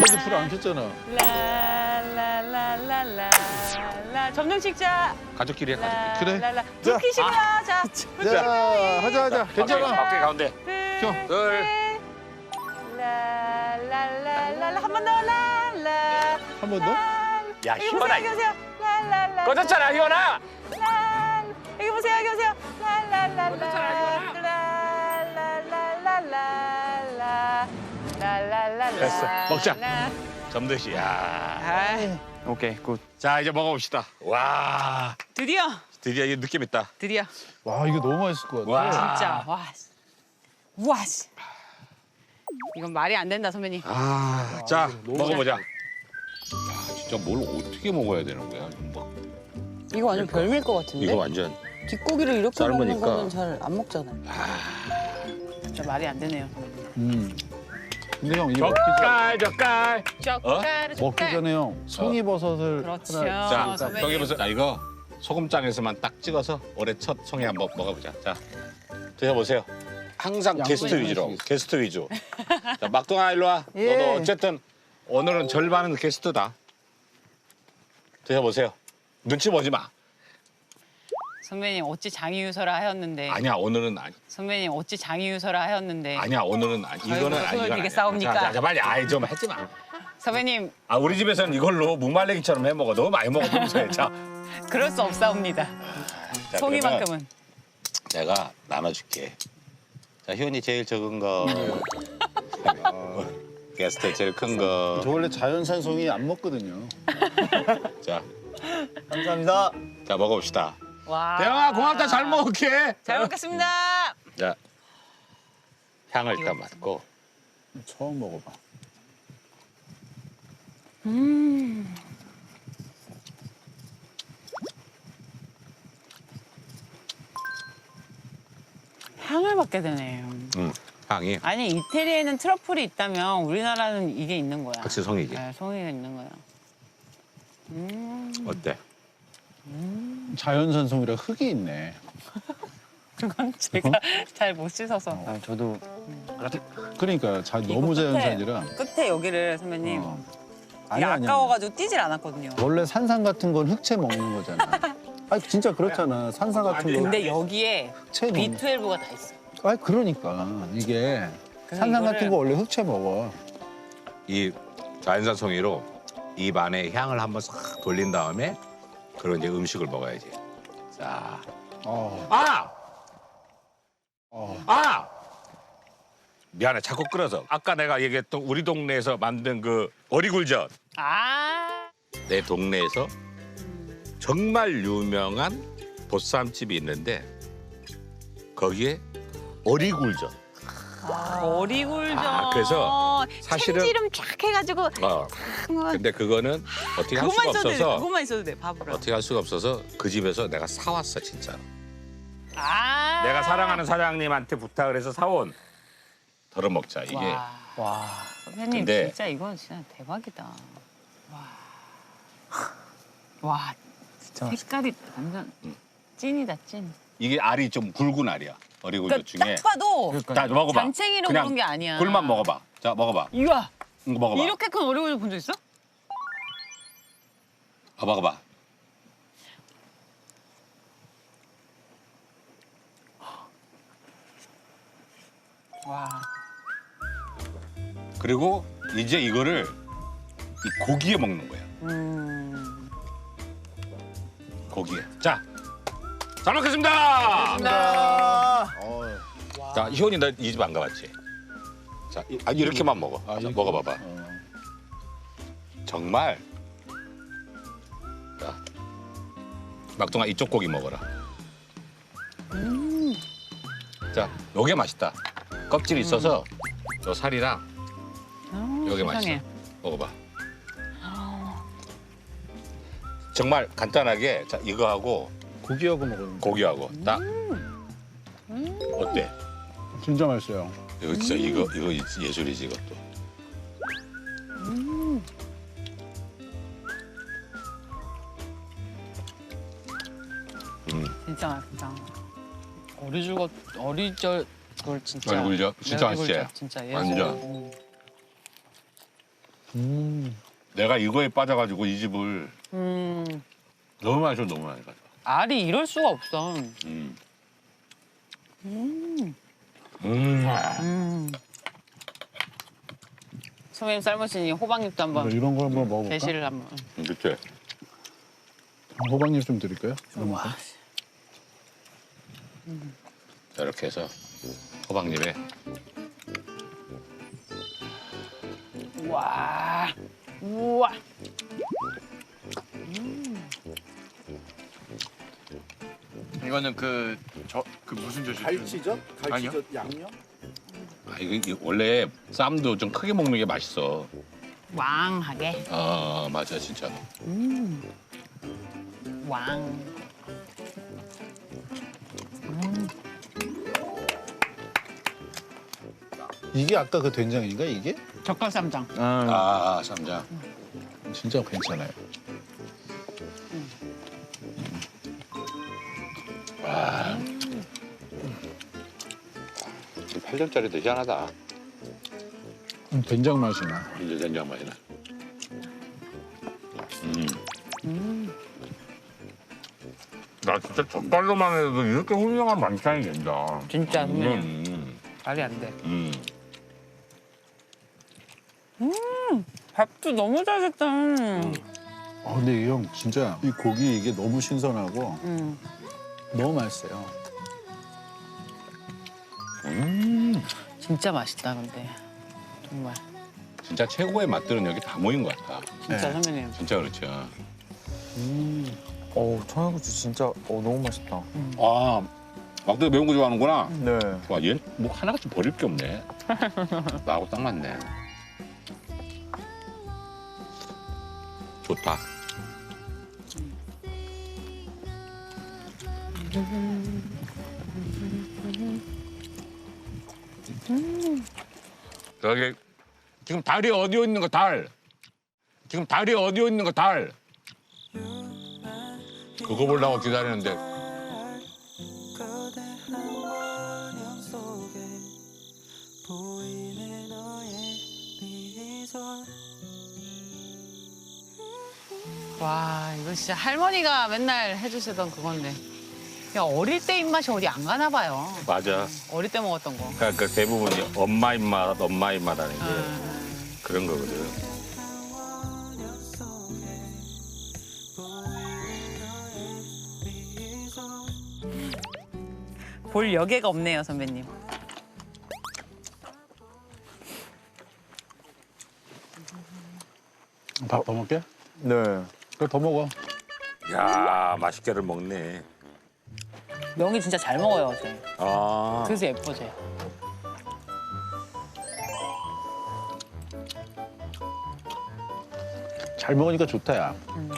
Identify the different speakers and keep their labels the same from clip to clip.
Speaker 1: 아직까지 불 안 켰잖아.
Speaker 2: 라라라라라라. 점령 찍자.
Speaker 3: 가족끼리 해, 가족끼리.
Speaker 1: 그래.
Speaker 2: 라라라. 불 켜시고요. 자.
Speaker 1: 자, 하자. 괜찮아.
Speaker 3: 밖에 가운데.
Speaker 1: 켜.
Speaker 3: 둘.
Speaker 2: 라라라라라. 한 번 더. 라라.
Speaker 1: 한 번 더?
Speaker 3: 야, 희원아.
Speaker 2: 여기 보세요. 라라라.
Speaker 3: 꺼졌잖아, 희원아.
Speaker 2: 여기 보세요. 여기 보세요. 라라라라.
Speaker 3: 꺼졌잖아, 희원아.
Speaker 2: 라라라라라. 라라라라.
Speaker 3: 됐어. 먹자. 점듯이. 야.
Speaker 2: 아,
Speaker 3: 오케이, 굿. 자, 이제 먹어봅시다. 와.
Speaker 2: 드디어.
Speaker 3: 드디어 이 느낌 있다.
Speaker 2: 드디어.
Speaker 1: 와, 이거 너무 맛있을 것 같아.
Speaker 3: 와.
Speaker 2: 진짜. 와. 와. 씨. 이건 말이 안 된다, 선배님.
Speaker 3: 아, 자, 먹어보자. 야, 진짜 뭘 어떻게 먹어야 되는 거야? 뭐,
Speaker 4: 이거 완전 별미일 것 같은데?
Speaker 3: 이거 완전.
Speaker 4: 뒷고기를 이렇게 먹는
Speaker 3: 삶으니까.
Speaker 4: 거는 잘 안 먹잖아요.
Speaker 2: 진짜 말이 안 되네요, 선배님.
Speaker 1: 근데 형, 이거 먹기
Speaker 3: 젓갈.
Speaker 2: 젓갈,
Speaker 1: 전에 형, 송이버섯을
Speaker 2: 그렇죠.
Speaker 1: 하나
Speaker 3: 자,
Speaker 2: 선배님.
Speaker 3: 여기 보세요. 자, 이거 소금장에서만 딱 찍어서 올해 첫 송이 한번 먹어보자. 자, 드셔보세요. 항상 게스트
Speaker 1: 양손
Speaker 3: 위주로.
Speaker 1: 하나씩.
Speaker 3: 게스트 위주. 자, 막둥아 일로 와.
Speaker 4: 예.
Speaker 3: 너도 어쨌든 오늘은 절반은 게스트다. 드셔보세요. 눈치 보지 마.
Speaker 2: 선배님 어찌 장이유서라 하였는데.
Speaker 3: 아니야, 오늘은 아니.
Speaker 2: 선배님 어찌 장이유서라 하였는데.
Speaker 3: 아니야, 오늘은 아니. 이거는
Speaker 2: 손을
Speaker 3: 아니.
Speaker 2: 되게 싸웁니까?
Speaker 3: 자, 빨리. 아이 좀 하지 마.
Speaker 2: 선배님
Speaker 3: 아, 우리 집에서는 이걸로 무말랭이처럼 해 먹어. 너무 많이 먹어 평소에. 자,
Speaker 2: 그럴 수 없사옵니다.
Speaker 3: 자,
Speaker 2: 송이만큼은.
Speaker 3: 내가 나눠줄게. 자, 희원이 제일 적은 거. 게스트 제일 큰 거.
Speaker 1: 저 원래 자연산 송이 안 먹거든요.
Speaker 3: 자,
Speaker 1: 감사합니다.
Speaker 3: 자 먹어봅시다.
Speaker 2: 와.
Speaker 3: 대영아 고맙다. 잘 먹을게.
Speaker 2: 잘 먹겠습니다.
Speaker 3: 자, 향을 일단 맡고.
Speaker 1: 처음 먹어봐.
Speaker 2: 향을 맡게 되네요.
Speaker 3: 향이
Speaker 2: 아니 이태리에는 트러플이 있다면 우리나라는 이게 있는 거야.
Speaker 3: 확실히 송이지.
Speaker 2: 네, 송이가 있는 거야.
Speaker 3: 어때?
Speaker 1: 자연산 송이라 흙이 있네.
Speaker 2: 그건 제가 잘 못 씻어서.
Speaker 1: 아, 저도. 그러니까 너무 자연산이라.
Speaker 2: 끝에 여기를 선배님. 이게
Speaker 1: 아니야.
Speaker 2: 아까워가지고 뛰질 않았거든요.
Speaker 1: 원래 산삼 같은 건 흑채 먹는 거잖아. 아 진짜 그렇잖아. 산삼 같은 거.
Speaker 2: 근데 여기에
Speaker 1: 흑채 먹는.
Speaker 2: B12가 다 있어.
Speaker 1: 아 그러니까 이게
Speaker 2: 그래서
Speaker 1: 산삼
Speaker 2: 이거를-
Speaker 1: 같은 거 원래 흑채 먹어.
Speaker 3: 이 자연산 송이로 입 안에 향을 한번 싹 돌린 다음에 그리고 이제 음식을 먹어야지. 자, 아! 아! 미안해, 자꾸 끌어서. 아까 내가 얘기했던 우리 동네에서 만든 그 어리굴젓.
Speaker 2: 아.
Speaker 3: 내 동네에서 정말 유명한 보쌈집이 있는데 거기에 어리굴젓.
Speaker 2: 어리굴젓.
Speaker 3: 아, 그래서 사실은-
Speaker 2: 참기름 쫙 해가지고.
Speaker 3: 근데 그거는 어떻게 할 수가
Speaker 2: 그것만 있어도 돼.
Speaker 3: 없어서
Speaker 2: 그것만 있어도 돼. 밥으로.
Speaker 3: 어떻게 할 수가 없어서 그 집에서 내가 사왔어 진짜.
Speaker 2: 아.
Speaker 3: 내가 사랑하는 사장님한테 부탁을 해서 사온. 덜어 먹자 이게.
Speaker 2: 와. 선배님
Speaker 3: 근데-
Speaker 2: 진짜 이건 진짜 대박이다. 와. 와.
Speaker 1: 진짜
Speaker 2: 색깔이 완전 찐이다 찐.
Speaker 3: 이게 알이 좀 굵은 알이야. 어리굴젓
Speaker 2: 그러니까
Speaker 3: 중에.
Speaker 2: 딱 봐도
Speaker 3: 자 먹어봐.
Speaker 2: 잔챙이로
Speaker 3: 그냥
Speaker 2: 그런 게 아니야.
Speaker 3: 굴만 먹어봐. 자 먹어봐.
Speaker 2: 이거
Speaker 3: 이거 먹어봐.
Speaker 2: 이렇게 큰 어리굴젓 본 적 있어?
Speaker 3: 먹어봐.
Speaker 2: 와.
Speaker 3: 그리고 이제 이거를 이 고기에 먹는 거야. 고기에. 자, 잘 먹겠습니다. 자, 희원이 나 이 집 안 가봤지? 자, 이렇게만 먹어. 자,
Speaker 1: 이렇게?
Speaker 3: 먹어봐봐. 정말. 자, 막둥아 이쪽 고기 먹어라. 자, 요게 맛있다. 껍질이 있어서 요 살이랑 요게 맛있어.
Speaker 2: 세상에.
Speaker 3: 먹어봐. 정말 간단하게 자 이거하고
Speaker 1: 고기하고 먹으면
Speaker 3: 고기하고 딱 어때?
Speaker 1: 진짜 맛있어요.
Speaker 3: 이거 진짜 이거 예술이지 이것도.
Speaker 2: 진짜 맛있다. 어리절 그걸 진짜.
Speaker 3: 어리굴젓? 진짜
Speaker 2: 어리굴젓
Speaker 3: 맛있지?
Speaker 2: 진짜 예술.
Speaker 3: 완전. 내가 이거에 빠져가지고 이 집을 너무 많이 줘, 너무 많이 가져.
Speaker 2: 알이 이럴 수가 없어. 선배님 삶으시니 호박잎도 한번
Speaker 1: 이런 걸 한번 먹어볼까?
Speaker 2: 게시를 한번.
Speaker 3: 그치?
Speaker 1: 호박잎 좀 드릴까요?
Speaker 2: 와.
Speaker 3: 자, 이렇게 해서 호박잎에
Speaker 2: 우와. 우와.
Speaker 5: 이거는 그 무슨 젓이죠?
Speaker 1: 갈치젓?
Speaker 5: 아니요.
Speaker 1: 양념?
Speaker 3: 아, 이게 원래 쌈도 좀 크게 먹는 게 맛있어.
Speaker 2: 왕하게.
Speaker 3: 아, 맞아, 진짜.
Speaker 2: 왕.
Speaker 1: 이게 아까 그 된장인가 이게?
Speaker 2: 젓갈쌈장.
Speaker 3: 아, 쌈장.
Speaker 1: 진짜 괜찮아요.
Speaker 3: 와. 8점짜리도 희한하다.
Speaker 1: 된장 맛이 나.
Speaker 3: 이제 된장 맛이 나.
Speaker 5: 나 진짜 젓갈로만 해도 이렇게 훌륭한 만찬이 된다.
Speaker 2: 진짜 선배님.
Speaker 3: 음,
Speaker 2: 말이 안 돼.
Speaker 3: 음.
Speaker 2: 밥도 너무 잘 됐다.
Speaker 1: 근데 이 형 진짜 이 고기 이게 너무 신선하고 너무 맛있어요.
Speaker 2: 진짜 맛있다 근데. 정말.
Speaker 3: 진짜 최고의 맛들은 여기 다 모인 것 같아.
Speaker 2: 진짜
Speaker 1: 네.
Speaker 2: 선배님.
Speaker 3: 진짜 그렇죠.
Speaker 6: 청양고추 진짜 너무 맛있다.
Speaker 3: 아, 막대가 매운 거 좋아하는구나.
Speaker 6: 네.
Speaker 3: 와, 얘는 뭐 하나같이 버릴 게 없네. 나하고 딱 맞네. 좋다. 여기 지금 달이 어디에 있는 거 달? 지금 달이 어디에 있는 거 달? 그거 보려고 기다리는데
Speaker 2: 와 이거 진짜 할머니가 맨날 해주시던 그건데. 야 어릴 때 입맛이 어디 안 가나 봐요.
Speaker 3: 맞아.
Speaker 2: 어릴 때 먹었던 거.
Speaker 3: 그러니까 그 대부분이 엄마 입맛, 엄마 입맛하는 게 그런 거거든.
Speaker 2: 볼 여개가 없네요 선배님.
Speaker 1: 밥 더 먹게?
Speaker 6: 네.
Speaker 1: 그래 더 먹어.
Speaker 3: 야, 맛있게를 먹네.
Speaker 2: 명이 진짜 잘 먹어요 쟤.
Speaker 3: 아,
Speaker 2: 그래서 예뻐 쟤.
Speaker 1: 잘 먹으니까 좋다 야.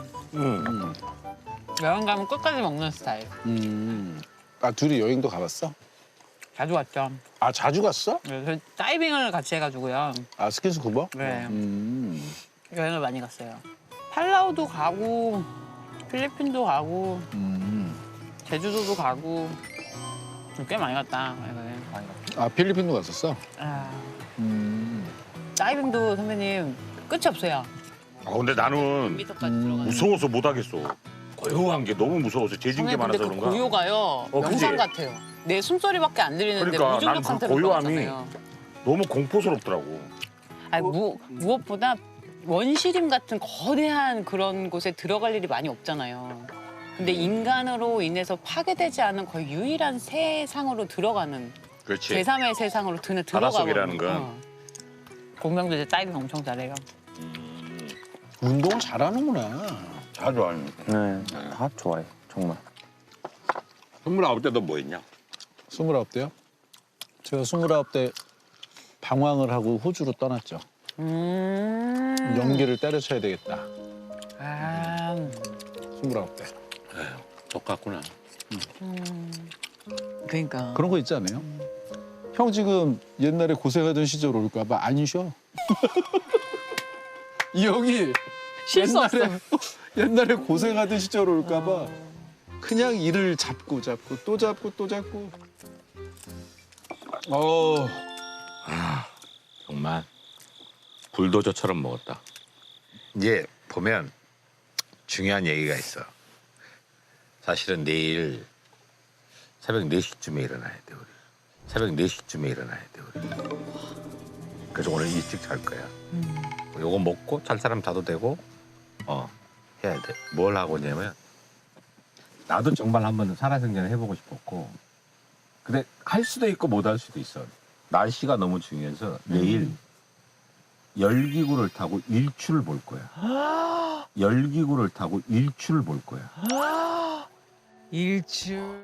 Speaker 2: 여행 가면 끝까지 먹는 스타일.
Speaker 1: 아 둘이 여행도 가봤어?
Speaker 2: 자주 왔죠.
Speaker 1: 아 자주 갔어?
Speaker 2: 그래서 다이빙을 같이 해가지고요.
Speaker 1: 아 스킨스쿠버?
Speaker 2: 네. 여행을 많이 갔어요. 팔라우도 가고 필리핀도 가고 제주도도 가고 꽤 많이 갔다. 여행을.
Speaker 1: 아 필리핀도 갔었어?
Speaker 2: 아, 다이빙도 선배님 끝이 없어요.
Speaker 3: 아 근데 나는
Speaker 2: 1m까지 들어가는.
Speaker 3: 무서워서 못 하겠어. 고요한 게 너무 무서워서 재진 게
Speaker 2: 선배님
Speaker 3: 많아서
Speaker 2: 근데 그
Speaker 3: 그런가?
Speaker 2: 고요가요.
Speaker 3: 그치?
Speaker 2: 영상 같아요. 내 숨소리밖에 안 들리는데
Speaker 3: 그러니까
Speaker 2: 무중력
Speaker 3: 난그
Speaker 2: 상태로
Speaker 3: 고요함이
Speaker 2: 들어가잖아요.
Speaker 3: 너무 공포스럽더라고.
Speaker 2: 아니 무엇보다 원시림 같은 거대한 그런 곳에 들어갈 일이 많이 없잖아요. 근데 인간으로 인해서 파괴되지 않은 거의 유일한 세상으로 들어가는
Speaker 3: 그렇지.
Speaker 2: 제3의 세상으로 들어가는
Speaker 3: 바닷속이라는 건.
Speaker 2: 공명도 이제 다이빙 엄청 잘해요.
Speaker 1: 운동을 잘하는구나.
Speaker 3: 자주 하는.
Speaker 6: 네. 다 좋아해. 정말.
Speaker 3: 29때 너 뭐 했냐?
Speaker 1: 29대요? 제가 29대 방황을 하고 호주로 떠났죠. 연기를 때려쳐야 되겠다.
Speaker 2: 아,
Speaker 1: 29대.
Speaker 3: 똑같구나.
Speaker 2: 그러니까.
Speaker 1: 그런 거 있지 않아요? 형 지금 옛날에 고생하던 시절 올까 봐 안 쉬어. 이 형이
Speaker 2: 쉴 수 없어.
Speaker 1: 옛날에 고생하던 시절 올까 봐 그냥 일을 잡고 또 잡고 또 잡고.
Speaker 3: 정말 불도저처럼 먹었다. 이제 보면 중요한 얘기가 있어. 사실은 내일 새벽 4시쯤에 일어나야 돼 우리. 새벽 4시쯤에 일어나야 돼 우리. 그래서 오늘 일찍 잘 거야. 요거 먹고 잘 사람 자도 되고 해야 돼. 뭘 하고 있냐면 나도 정말 한번 살아생전을 해보고 싶었고 근데 할 수도 있고 못 할 수도 있어. 날씨가 너무 중요해서 내일 열기구를 타고 일출을 볼 거야. 열기구를 타고 일출을 볼 거야.
Speaker 2: 일출.